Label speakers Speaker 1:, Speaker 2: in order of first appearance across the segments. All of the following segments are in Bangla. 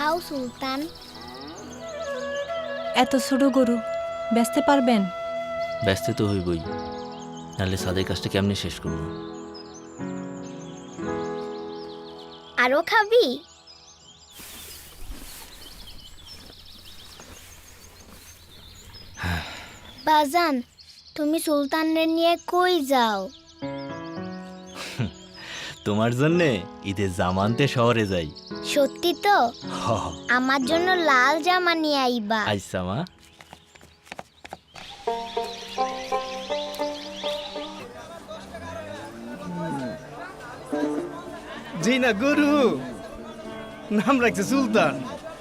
Speaker 1: খাও সুলতান।
Speaker 2: এত ছোট গরু বেচতে পারবেন?
Speaker 3: ব্যস্ত তো হইবই, নাহলে সাদের কাজটা কেমনে শেষ করবো?
Speaker 1: আরো খাবি? বাজান, তুমি সুলতানরে নিয়ে কই যাও?
Speaker 3: তোমার জন্যে ঈদের জামা আনতে শহরে যাই।
Speaker 1: সত্যি তো?
Speaker 3: হ,
Speaker 1: আমার জন্য লাল জামা নিয়ে আইবা।
Speaker 3: আইসা মা।
Speaker 4: জি না গরু, নাম রাখছে সুলতান।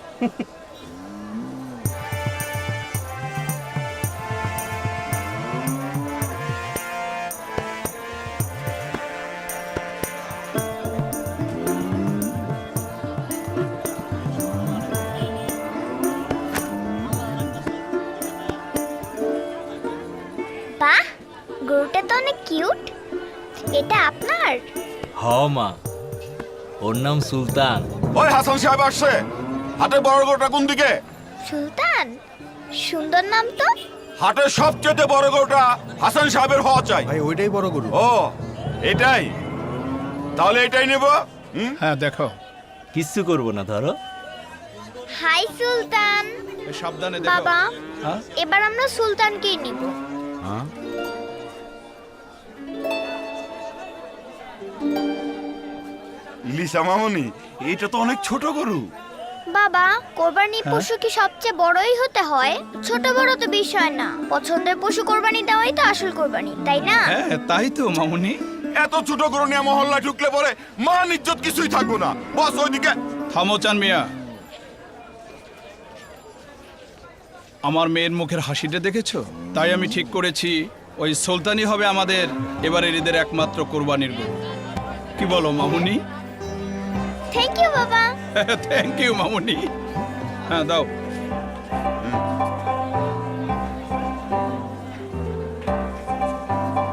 Speaker 1: বাহ, গরুটা তো অনেক কিউট। এটা আপনার?
Speaker 3: হ মা, ওর নাম সুলতান।
Speaker 5: ওই হাসান সাহেব আসছে। হাটের বড় গরুটা কোন দিকে?
Speaker 1: সুলতান, সুন্দর নাম তো।
Speaker 5: হাটের সবচেয়ে বড় গরুটা হাসান সাহেবের হওয়া চাই।
Speaker 6: ভাই ওইটাই বড় গরু।
Speaker 5: ও, এটাই? তাহলে এটাই নেব।
Speaker 6: হ্যাঁ দেখো,
Speaker 3: কিচ্ছু করবো না, ধরো।
Speaker 1: হাই সুলতান।
Speaker 6: সাবধানে দেখো।
Speaker 1: বাবা,
Speaker 6: হ্যাঁ?
Speaker 1: এবার আমরা সুলতানকেই নিব।
Speaker 6: হ্যাঁ?
Speaker 5: লিসা মামনি, এটা তো অনেক ছোট গরু।
Speaker 1: বাবা, কোরবানির পশু কি সবচেয়ে বড়ই হতে হয়? ছোট বড় তো বিষয় না, পছন্দের পশু কোরবানি দেওয়াই তো আসল কোরবানি, তাই না?
Speaker 6: হ্যাঁ তাই তো মামুনি।
Speaker 5: এত ছোট গরু নিয়ে মহল্লা ঢুকলে পরে মান ইজ্জত কিছুই থাকবো না। বস ওইদিকে।
Speaker 6: থামো চান মিয়া। আমার মেয়ের মুখের হাসিটা দেখেছো? তাই আমি ঠিক করেছি ওই সুলতানই হবে আমাদের এবারের ঈদের একমাত্র কোরবানির গরু। কি বলো মামুনি?
Speaker 1: থ্যাংক ইউ বাবা।
Speaker 6: থ্যাংক ইউ মামুনি। হ্যাঁ দাও।